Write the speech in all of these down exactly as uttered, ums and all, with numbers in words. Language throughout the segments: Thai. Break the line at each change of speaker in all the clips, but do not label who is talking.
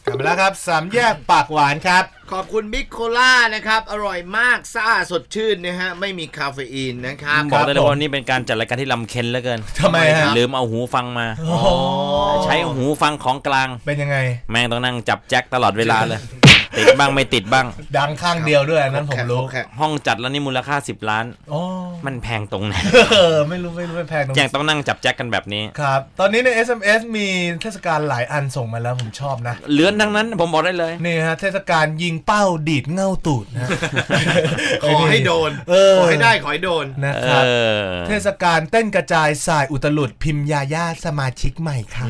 กลับมาแล้วครับสามแยกปากหวานครับ
ขอบคุณบิ๊กโคล่านะครับอร่อยมากซ่าสดชื่นนะฮะไม่มีคาเฟอีนนะครับ
บอกได้เลยว่านี่เป็นการจัดรายการที่ลำเค็ญเหลือเกิน
ทำไมฮะ
ลืมเอาหูฟังมาใช้หูฟังของกลาง
เป็นยังไง
แม่งต้องนั่งจับแจ็คตลอดเวลาเลยติดบ้างไม่ติดบ้าง
ดังข้างเดียวด้วยนั้นผมรู้
ห้องจัดแล้วนี่มูลค่าสิบล้านมันแพงตรงไหน
เออไม่รู้ไม่รู้ไม่แพงตรง
ยังต้องนั่งจับแจ็คกันแบบนี้
ครับตอนนี้ใน เอส เอ็ม เอส มีเทศกาลหลายอันส่งมาแล้วผมชอบนะ
เลื้อนทั้งนั้นผมบอกได้เลย
นี่ฮะเทศกาลยิงเป้าดีดเง่าตูดนะ
ขอให้โดนขอให้ได้ขอให้โดน
นะครับเทศกาลเต้นกระจายสายอุตลุดพิมพ์ยาย่าสมาชิกใหม่ครับ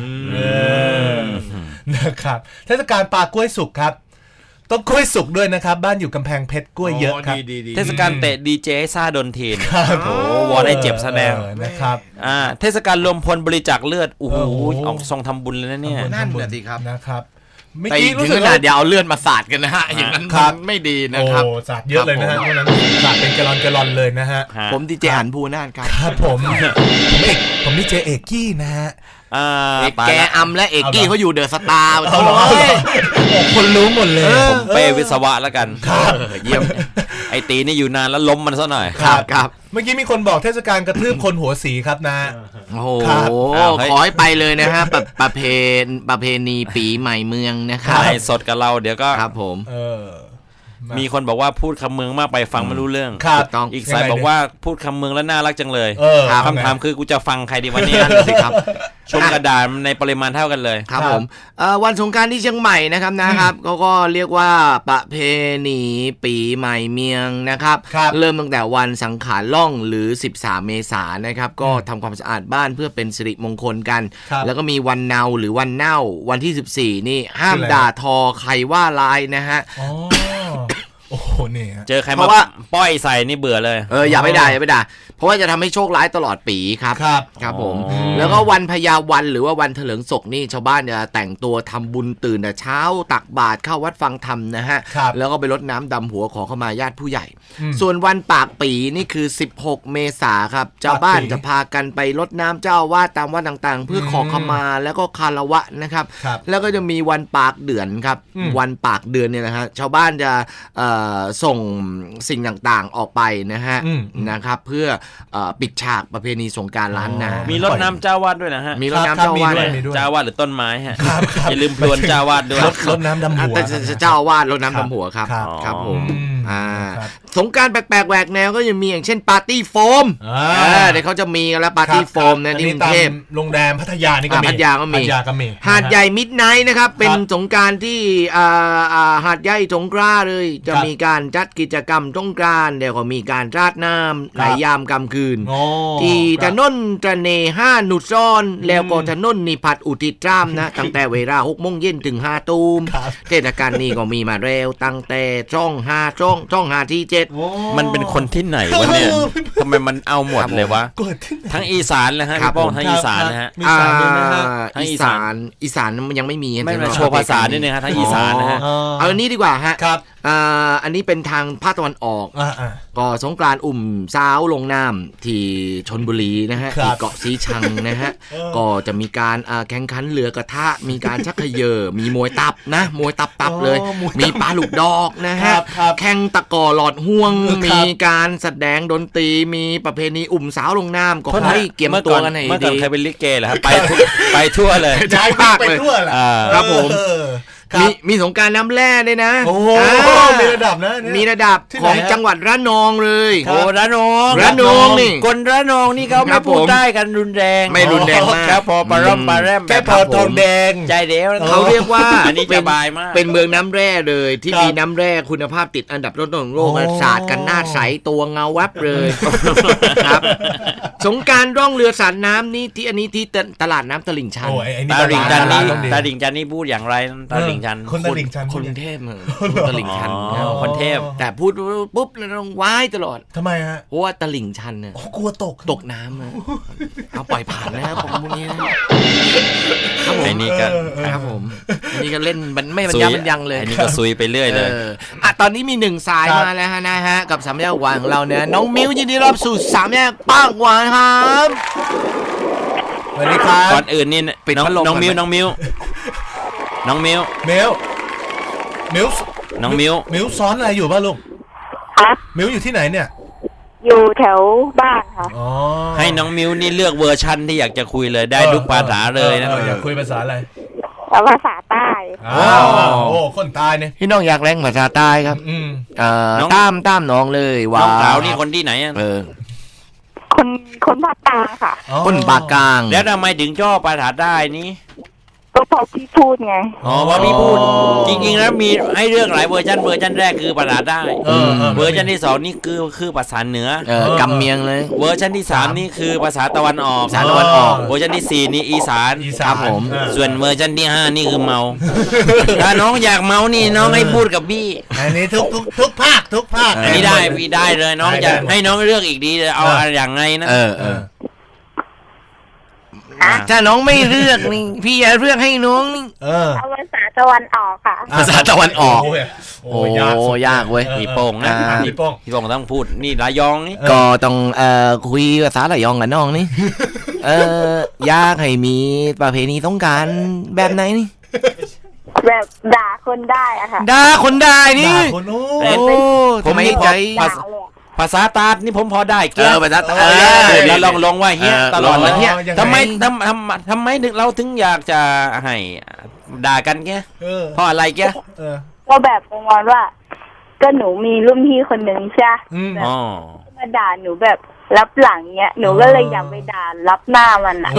นะครับเทศกาลปลากล้วยสุกครับต้องกล้วยสุกด้วยนะครับบ้านอยู่กำแพงเพชรกล้วยเยอะครับ
เทศกาลเตะดีเจซ่าดนทีนโอ้วอลได้เจ็บแสดง
นะครับ
อ่าเทศกาลรวมพลบริจาคเลือดโอ้โหออกทรงทำบุญเลยนะเนี่ย
นั่นแหละสิครับ
นะครับ
ไม่คิดรู้สึกว่าเดี๋ยวเอาเลือดมาสาดกันนะฮะอย่างนั้นไม่ดีนะครับ
โอ้สาดเยอะเลยนะฮะเพราะนั้นสาดเป็นแกลลอนแกลลอนเลยนะฮะ
ผมดีเจหันภูน่านครับ
ครับผมผมเอกผมดีเจเอกกี้นะฮะ
แกอัมและเอกกี้เขาอยู่เดอะสตาร์
คนรู้หมดเลย
ผมเป้วิศวะแล้วกันเยี่ยมไอตีนี่อยู่นานแล้วล้มมันซะหน่อย
ครับครับ
เมื่อกี้มีคนบอกเทศกาลกระทืบคนหัวสีครับนะ
โอ้โหขอให้ไปเลยนะฮะประเพณีประเพณีปีใหม่เมืองนะครับ
ไอสดกับเราเดี๋ยวก็
ครับผม
มีคนบอกว่าพูดคำเมืองมากไปฟังไม่รู้เรื่องอีกสายบอกว่าพูดคำเมืองแล้วน่ารักจังเลยคำถามคือกูจะฟังใครดีวันนี้นั่นสิครับชมกระดาษในปริมาณเท่ากันเลย
ครับผมวันสงกรานต์ที่เชียงใหม่นะครับนะครับเขาก็เรียกว่าประเพณีปีใหม่เมียงนะครับเริ่มตั้งแต่วันสังขารล่องหรือสิบสามเมษายนนะครับก็ทำความสะอาดบ้านเพื่อเป็นสิริมงคลกันแล้วก็มีวันเนาหรือวันเน่าวันที่สิบสี่นี่ห้ามด่าทอใครว่าร้ายนะฮะ
โอ้โหนี่
เจอใครมาว่าป้อยใส่นี่เบื่อเลย
เอออย่าไปด่าอย่าไปด่าเพราะว่าจะทำให้โชคร้ายตลอดปีครับ
ครับ
ครับผมแล้วก็วันพญาวันหรือว่าวันเถลิงศกนี่ชาวบ้านจะแต่งตัวทำบุญตื่นแต่เช้าตักบาตรเข้าวัดฟังธรรมนะฮะแล้วก็ไปรดน้ำดำหัวขอเข้ามาญาติผู้ใหญ่ส่วนวันปากปีนี่คือสิบหกเมษายนครับชาวบ้านจะพากันไปรดน้ำเจ้าวาดตามวัดต่างๆเพื่อขอเข้ามาแล้วก็คารวะนะครับแล้วก็จะมีวันปากเดือนครับวันปากเดือนเนี่ยนะฮะชาวบ้านจะส่งสิ่งต่างๆออกไปนะฮะนะครับเพื่อปิดฉากประเพณีสงกรานต์ล้านนา
มีรดน้ำเจ้าวาดด้วยนะฮะ
มีรดน้ำเจ้าวาด
เจ้าวาดหรือต้นไม้ฮะอย่าลืมพลวนเจ้าวาดด้วย
รดน้ำดำหัว
เจ้าวาดรดน้ำดำหัวครับครับผมสงกรานต์แปลกๆแหวกแนวก็ยังมีอย่างเช่นปาร์ตี้โฟมเดี๋ยวเขาจะมีกันแล้วปาร์ตี้โฟมในกรุงเทพ
โรงแรมพัทยานี่ก็มี
พัทยาก็มีหาดใหญ่มิดไนท์นะครับเป็นสงกรานต์ที่หาดใหญ่สงขลาเลยจะมีการจัดกิจกรรมสงกรานต์เดี๋ยวก็มีการราดน้ำในยามกลางคืนที่ถนนตระเนห้าหนุดซ้อนแล้วก็ถนนนิพัฒน์อุทิศรามนะตั้งแต่เวลาหกโมงเย็นถึงห้าตูมเทศกาลนี้ก็มีมาแล้วตั้งแต่ช่องห้าช่องช่องห้าที่เจ็ด
มันเป็นคนที่ไหนวะเนี่ยทำไมมันเอาหมดเลยวะทั้งอีสานเลยฮะพี่ป้องทั้งอีสานนะฮะ
ทั้งอีสานอีสานมันยังไม่มี
ไม่มาโชว์ภาษานี่นะฮะทั้งอีสานนะฮะ
เอาอันนี้ดีกว่าฮะอันนี้เป็นทางภาคตะวันออกก็สงกรานต์อุ่มสาวลงน้ำที่ชลบุรีนะฮะที่เกาะสีชังนะฮะก็จะมีการแข่งขันเรือกระทะมีการชักเขย่อมีมวยตับนะมวยตับตับเลยมีปลาลูกดอกนะฮะแข่งตะกอหลอดห่วงมีการแสดงดนตรีมีประเพณีอุ่มสาวลงน้ำก็ให้เกี่ยมตัวกันให้ดี
เมื่อก่อนใครเป็นลิเกเหรอครับไปไปทั่วเลย
ใช่มากเลยครับผมมีมีสงกรานต์น้ำแร่ด้วยนะ
โอ้มีระดับนะ
มีระดับของจังหวัดระนองเลย
โอ้ระนอง
ระนองนี่
คนระนองนี่เขาไม่พูดได้กันรุนแรง
ไม่รุนแรงมาก
ครับพอปลาร่มปลาแรม
แค่พอทองแดง
ใจเดียว
เขาเรียกว่า
อันนี้สบายมาก
เป็นเมืองน้ำแร่เลยที่มีน้ำแร่คุณภาพติดอันดับต้นๆของโลกศาสตร์กันหน้าใสตัวเงาวับเลยครับสงกรานต์ร่องเรือสาดน้ำนี่ที่อันนี้ที่ตลาดน้ำตลิ่งชัน
ตลิ่งชันนี่ตลิ่งชันนี่พูดอย่างไรตลิ่งชัน
คนตลิ่งชัน
คนเทพเหมือนตลิ่งชัน
คนเทพ
แต่พูดปุ๊บเราต้องว้ายตลอด
ทำไมฮะ
เพราะว่าตลิ่งชันเนี่ย
กลัวตก
ตกน้ำเอาปล่อยผ่านนะครับผมพวกนี้นะ
ไอ้นี่ก็
ครับผมอันนี้ก็เล่นมันไม่บรรยายบรรยังเลย
อันนี้ก็ซุยไปเรื่อยเลย
อ่ะตอนนี้มีหนึ่งสายมาแล้วฮะนะฮะกับสามแยกหวานของเราเนี่ยน้องมิ้วยินดีรับสู่สามแยกปากหวานครับ
สวัสดีครับ
ก่อนอื่นนี่น้องน้องมิ้วน้องมิ้วน้องมิ้ว
มิ้วมิว
น้องมิว
มิวซ้อนอะไรอยู่บ้างลูก
คะ
มิวอยู่ที่ไหนเนี่ย
อยู่แถวบ้านค่ะ
ให้น้องมิวนี่เลือกเวอร์ชันที่อยากจะคุยเลยได้ทุกภาษาเลยนะ
อยากคุยภาษาอะไร
ภาษาใต้
อ้าวโอ้คนใต้เนี่ย
พี่น้องอยากแรงภาษาใต้ครับ
อืม
เอ่อตามตามน้องเลยว่า
น้องสาวนี่คนที่ไหน
เออ
คนคนภาคกลางค่ะ
คนภาคกลาง
แล้วทำไมถึงชอบภาษาใต้นี้
ก็พอพี่พูดไง
อ๋อว่าพี่พูดจริงๆแล้วมีให้เรื่องหลายเวอร์ชันเวอร์ชันแรกคือภาษาใต้เวอร์ชันที่สองนี่คือคือภาษาเหนื
อกำเมียงเลย
เวอร์ชันที่สามนี่คือภาษาตะวันออก
ภาษาตะวันออก
เวอร์ชันที่สี่นี่อีสาน
ครับผม
ส่วนเวอร์ชันที่ห้านี่คือเมาถ้าน้องอยากเมานี่น้องให้พูดกับพี่
อันนี้ทุกทุกทุกภาคทุกภาค
อันนี้ได้พี่ได้เลยน้องจะให้น้องเลือกอีกดีเลยเอาอย่างไงนะ
เออเออถ้าน้องไม่เลือกนี่พี่จะเลือกให้น้องนี่
เอาภาษาตะวันออกค่ะ
ภาษาตะวันออก
โอ้ย
ยากเว้ย
พี่โป่งนะพี่โป่งพี่โป่งต้องพูดนี่ระยองนี่
ก็ต้องเอ่อคุยภาษาระยองกับน้องนี่เออยากให้มีประเพณีสงกรานต์แบบไหนนี่
แบบด่าคนได้อะค่ะ
ด่าคนได้นี่
ด่าคนโอ้
ผมไม่ใจ
ภาษาตาดนี่ผมพอได้
เกี่ยวภาษาตาด
เราลองลงว่าเฮียตลอดเลยเฮียทำไมทำทำทำไมถึงเราถึงอยากจะให้ด่ากันแกเพราะอะไรแก
ก็แบบประมาณว่าก็หนูมีรุ่นพี่คนหนึ่งใช่ไหมมาด่าหนูแบบรับหลังเนี้ยหนูก็เลยอยากไปด่ารับหน้ามันอ่ะ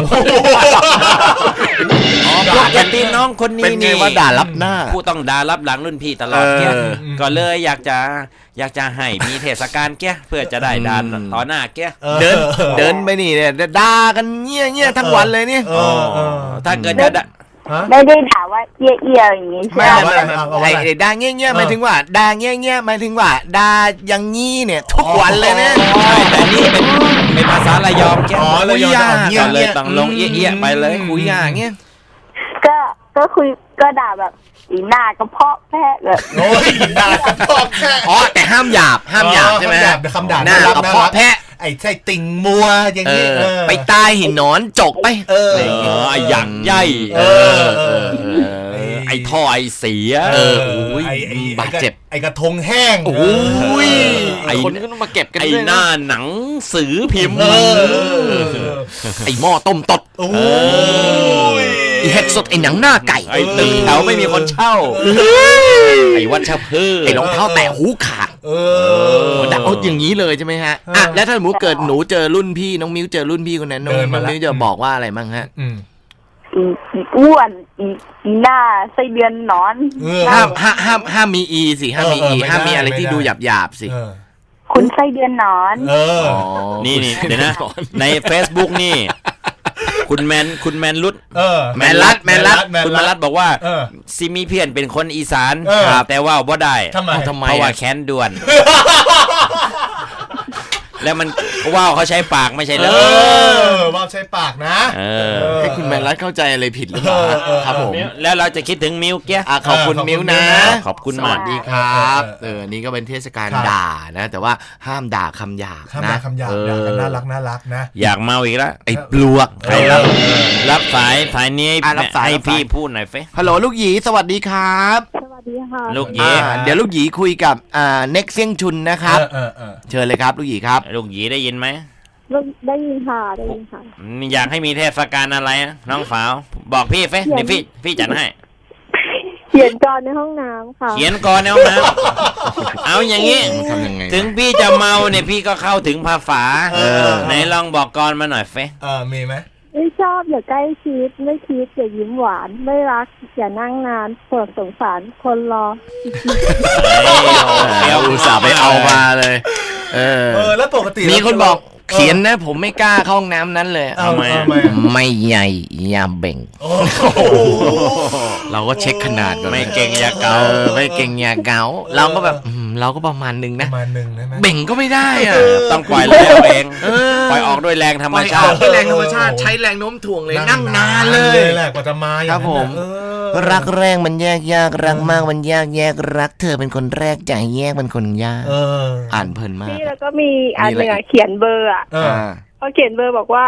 อ๋อปกติน้องคนนี้นี่
ว่าด่ารับหน้า
ผู้ต้องด่ารับหลังรุ่นพี่ตลอดแกก็เลยอยากจะอยากจะให้มีเทศกาลแกเพื่อจะได้ด่าต่อหน้าแก
เดินเดินไปนี่เนี่ยด่ากันเงี้ยเงี้ยทั้งวันเลยนี่
ถ้าเกิดจะ
ไม่ได้ด่าว่าเอี้ยเอี้ยอย่างงี้ใช่ไหม
ไอ้ด่าเงี้ยเงี้ยหมายถึงว่าด่าเงี้ยเงี้ยหมายถึงว่าด่าอย่างงี้เนี่ยทุกวันเลยเนี่ย
แต่นี่เป็นเป็นภาษาระยองแก
อ๋อระยอง
เงี้ยเลยต้องลงเอี้ยเอี้ยไปเลย
คุยอย่างเงี้ย
ก็ก็คุยก็ด่าแบบอีหน้ากระเพาะแพะเลย
โอ้ยหน้ากระเพาะแพะ
อ๋อแต่ห้ามหยาบห้ามหยาบใช่ไหม
คำด่า
หน้ากระเพาะแพะ
ไอ้ใช่ติ่งมัวอย่างนี้
ไปตายหินนอนจกไป
เออไอ้อย่างใหญ่เออไอ้ท่อไอ้เสีย
เออโอ้ยบาดเจ็บ
ไอ้กระทงแห้ง
โอ้ยไอ้คนก็ต้องมาเก็บกัน
ไอ้หน้าหนังสือพิมพ์
ไอ้หม้อต้มตด
โอ้ย
ไอ้เห็ดสดไอ้หนังหน้าไก่
ไอ้ตึกแถวไม่มีคนเช่าไอ้วัชพืช
ไอ้รองเท้าแตะหูขาด
เอ
อดักเอาอย่างนี้เลยใช่ไหมฮะอ่ะแล้วถ้าหมูเกิดหนูเจอรุ่นพี่น้องมิ้วเจอรุ่นพี่คนนั้นน้องมิ้วจะบอกว่าอะไรบ้างฮะ
อีอ้วนอีอีหน้าไส้เดือนนอน
ห้ามห้ามห้ามห้ามมีอีสิห้ามมีอีห้ามมีอะไรที่ดูหยาบหยาบสิ
คุณไส้เดือนนอน
เออ
นี่นี่เดี๋ยวนะใน Facebook นี่คุณแมนคุณแมนรุด
แมนรัดแมนรัด
คุณแมนรัดบอกว่าซิมีเพียนเป็นคนอีสานแต่ว่าบ่ได้
ทำไม
ทำไม
เพราะว่าแค้นด่วนแล้วมันว่าวเขาใช้ปากไม่ใช่เหรอ
ว่าวใช้ปากนะ
ให้คุณแมนรัดเข้าใจอะไรผิดหรือเปล่าครับผม
แล้วเราจะคิดถึงมิวเกี้ย
ขอบคุณมิวนะ
ขอบคุณมาก
ดีครับเออนี่ก็เป็นเทศกาลด่านะแต่ว่าห้ามด่าคำหยาบ
นะคำหยาบด่ากันน่ารักน่ารักนะ
อยากเมาอีกแล้ว
ไอ้ปลวก
ใครรับรับสายสายนี้ให้พี่พูดหน่อยเฟ้
ฮัลโหลลูกหยีสวัสดีครับ
สวัสดีค่ะ
ลูกหยี
เดี๋ยวลูกหยีคุยกับอ่าเน็กเซียงชุนนะครับเชิญเลยครับลูกหยีครับ
ลูกหยีได้ยินไหม
ได้ยินค่ะได้ยินค่ะ
อยากให้มีเทศกาลอะไรน้องสาวบอกพี่เฟ้เดี๋ยวพี่พี่จัดให้
เขียนกรในห้องน้ำค่ะ
เขียนกรในห้องน้ำเอาอย่างนี้ถึงพี่จะเมาเนี่ยพี่ก็เข้าถึงภาษาไหนลองบอกกรมาหน่อยเฟ้
เออมีไหม
ไม่ชอบอย่าใกล้ชิดไม่คิดอย่ายิ้มหวานไม่รักอย่านั่งนานปวดสงสารคนรอ
เดี๋ยวอุตส่าห์ไปเอามาเลยเออ
แล้วปกติ
มีคนบอกเขียนนะผมไม่กล้าเข้าห้องน้ำนั้นเลย
ทำไม
ไม่ใหญ่ยาเบ่งเราก็เช็คขนาด
ไม่เก่งยาเกา
ไม่เก่งยาเกาเราก็แบบเราก็ประมาณนึงนะ
ประมาณนึงได้ไหม
เบ่งก็ไม่ได้อะ
ต้องปล่อยแรงเองปล่อยออกด้วยแรงธรรมชาติ
ด้วยแรงธรรมชาติใช้แรงโน้มถ่วงเลยนั่งนานเลย
แหละกว่าจะมา
ครับผมรักแรงมันแยกยากรักมากมันยากแยกรักเธอเป็นคนแรกใจแยกเป็นคนยากอ่านเพลินมาก
นี่แล้วก็มีอันหนึ่งเขียนเบอร์อ่ะเขาเขียนเบอร์บอกว่า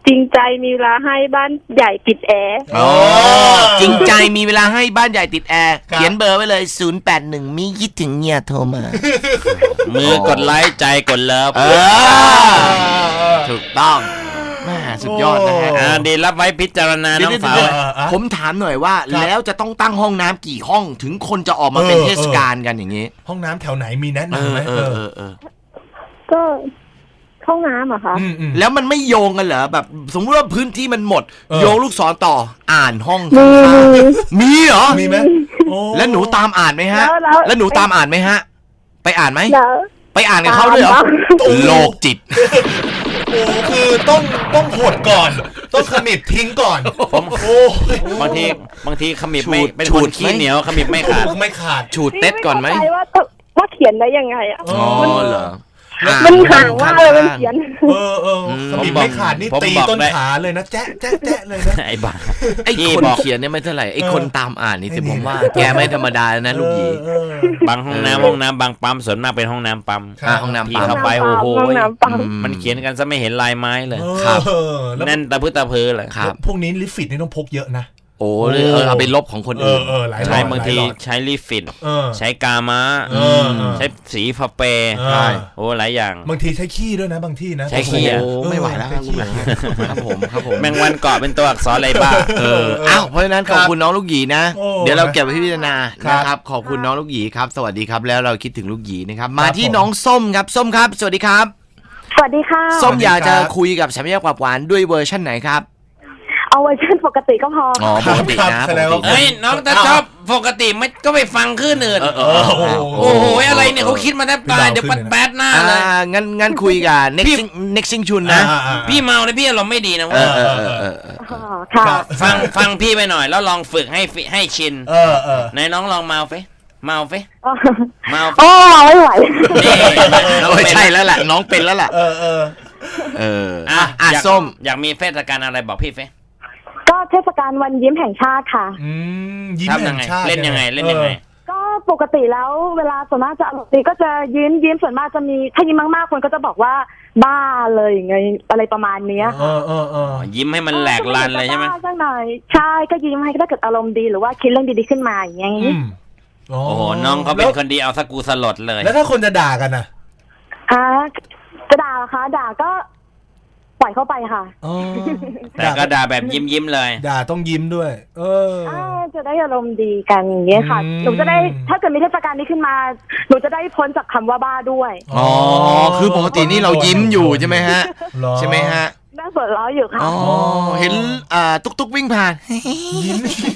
จริงใจมีเวลาให้บ้านใหญ่ติดแอร์
อ๋อจริงใจมีเวลาให้บ้านใหญ่ติดแอร์เขียนเบอร์ไว้เลยศูนย์ แปด หนึ่งมีคิดถึงเนี่ยโทรมา
มือกดไลค์ใจกดเลิฟ
ถูกต้องแม่สุดยอดนะฮะ
อ่าดีรับไว้พิจารณาน้องสาว
ผมถามหน่อยว่าแล้วจะต้องตั้งห้องน้ำกี่ห้องถึงคนจะออกมาเป็นเทศกาลกันอย่างนี้
ห้องน้ำแถวไหนมีแนะนำไหม
เออเออเออ
ก็ห้องน้ำอะคะ
แล้วมันไม่โยงกันเหรอแบบสมมติว่าพื้นที่มันหมดโยงลูกศรต่ออ่านห้อง
มี
มีเหรอ
มีไหม
แล้วหนูตามอ่านไหมฮะแล้วหนูตามอ่านไหมฮะไปอ่านไหมไปอ่านกับเขาด้วยเหรอโลกจิต
โอ้คือต้องต้องหดก่อนต้องขมิบทิ้งก่อน
ผมโอ้บางทีบางทีขมิบไม่เป็นคนขี้เหนียวขมิบไม่ขาด
ไม่ขาด
ฉูดเต็ดก่อนไหม
ว่าว่าเขียนได้ยังไงอ่ะ
อ๋อเหรอ
มันห่างว่าเลยมันเขียน
เออเออขมิบไม่ขาดนี่ตีต้นขาเลยนะแจ๊ะแจ๊ะแจ๊ะเลยนะ
ไอ้บ้า
ไอ้คนเขียนเนี่ยไม่เท่าไหร่ไอ้คนตามอ่านนี่สิผมว่าแกไม่ธรรมดานะลูกหยี
บางห้องน้ำห้องน้ำบางปั๊มส่วนมากเป็นห้องน้ำปั๊ม
ห้องน้ำ
ที่เข้าไปโอ้โหมันเขียนกันซะไม่เห็นลายไม้เลย
ครับ
แน่นตะพื้นตะเพอเลย
พวกนี้ลิฟิตนี่ต้องพกเยอะนะ
โอ้เออเอาไปลบของคนอื่น
ใช่บางทีใช้ลิฟิตใช้กาม้าใช้สีฟาเป
ใช่
โอ้หลายอย่าง
บางทีใช้ขี้ด้วยนะบางที่นะ
ใช้ขี้
โอ้ไม่ไหวแล้วครับผมครับผม
แมงวันเกาะเป็นตัวอักษรอะไรบ้า
เอออ้าวเพราะฉะนั้นขอบคุณน้องลูกหยีนะเดี๋ยวเราเก็บไว้พิจารณานะครับขอบคุณน้องลูกหยีครับสวัสดีครับแล้วเราคิดถึงลูกหยีนะครับมาที่น้องส้มครับส้มครับสวัสดีครับ
สวัสดีค่ะ
ส้มอยากจะคุยกับสามแยกปากหวานด้วยเวอร์ชั่นไหนครับ
เอาเวอร์ชันปกติก็พอ
อ๋อปกตินะ
เฮ้ยน้องถ้าชอบปกติไม่ก็ไปฟังคลื่นอื่นโอ้โหอะไรเนี่ยเขาคิดมาแทบตายเดี๋ยวปัดแป๊ดหน้าเลย
งั้นงั้นคุยกับ next next ซิงชุนนะ
พี่เมาเลยพี่เราไม่ดีนะเว้ยฟังฟังพี่ไปหน่อยแล้วลองฝึกให้ให้ชินในน้องลองเมาเฟเมาเฟ
เมาโอ้ไม่ไหว
ไม่ใช่แล้วแหละน้องเป็นแล้วแหละเออเออเอออ่ะส้ม
อยากมีเทศกาลอะไรบอกพี่เฟ
ก็เทศกาลวันยิ้มแห่งชาติค่ะ
อืมยิ้มแห่งชาติ
เล่นยังไงเล่นยังไง
ก็ปกติแล้วเวลาส่วนมากจะอารมณ์ดีก็จะยิ้มยิ้มส่วนมากจะมีถ้ายิ้มมากๆคนก็จะบอกว่าบ้าเลยอย่างเงี้ยอะไรประมาณนี้
ค่ะเออเออเออ
ยิ้มให้มันแหลกลานเลยใช่ไหม
สักหน่อยใช่ก็ยิ้มให้ถ้าเกิดอารมณ์ดีหรือว่าคิดเรื่องดีๆขึ้นมาอย่างเงี้ย
โอ้โหน้องเขาเป็นคนดีเอาสักกูสลดเลย
แล้วถ้าคนจะด่ากันอ่ะ
อ่าจะด่าเหรอคะด่าก็ปล่อยเข้าไปค่ะ
แต่ก็ด่าแบบยิ้มยิ้มเลย
ด่าต้องยิ้มด้วยเออ
จะได้อารมณ์ดีกันอย่างเงี้ยค่ะหนูจะได้ถ้าเกิดมีเทศกาลนี้ขึ้นมาหนูจะได้พ้นจากคำว่าบ้าด้วย
อ๋อคือปกตินี่เรายิ้มอยู่ใช่ไหมฮะใช่ไหมฮะ
น่าสนล้ออยู่ค่ะ
อ๋อเห็นอ่าตุ๊กตุ๊กวิ่งผ่านยิ้ม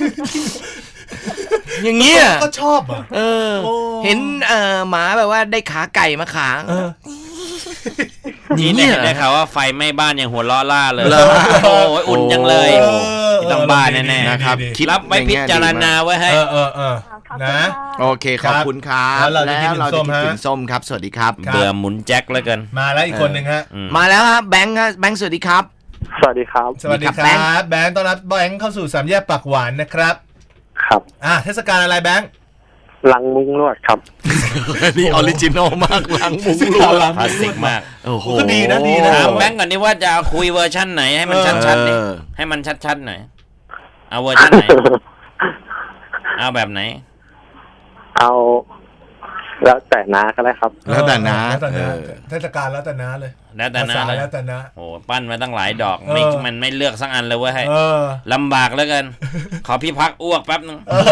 อย่างเงี้ย
ก็ชอบอ่ะ
เออเห็นเอ่อหมาแบบว่าได้ขาไก่มาขาง
นี่เนี่ยได้ข่าวว่าไฟไหม้บ้านอย่างหัวล้อล่าเลยโอ้ยอุ่นจังเลยต้องบ้านแน่ๆ
นะครับ
รับไว้พิจารณาไว้ให้
เออเออเออนะ
โอเคขอบคุณครับแล้วเราจะคิดถึงส้มครับสวัสดีครับ
เบื่อหมุนแจ็คแล้วกัน
มาแล้วอีกคนหนึ่งฮะ
มาแล้วครับแบงค์ครับแบงค์สวัสดีครับ
สวัสดีครับ
สวัสดีครับแบงค์ต้อนรับแบงค์เข้าสู่สามแยกปากหวานนะครับ
ครับ
อ่ะเทศกาลอะไรแบงค์
ลังมุ้งลวดครับ
นี่ออริจินอลมากลังมุ้งลวด
คลาสสิกมาก
โอ้โหก็ดีนะดีนะ
ถามแบงค์ก่อนนี่ว่าจะคุยเวอร์ชั่นไหนให้มันชัดๆนี่ให้มันชัดๆหน่อยเอาเวอร์ชั่นไหนเอาแบบไหน
เอาแล้วแต่น้าก็ได้ครับ
แล้วแต่น้า
เทศกาลแล้วแต่น้าเลย
แล้วแต่น้า
แล้วแต่น้า
โอ้ปั้นมาตั้งหลายดอกไม่มันไม่เลือกสักอันเลยเว้ยให้ลำบากแล้วกันขอพี่พักอ้วกแป๊บนึง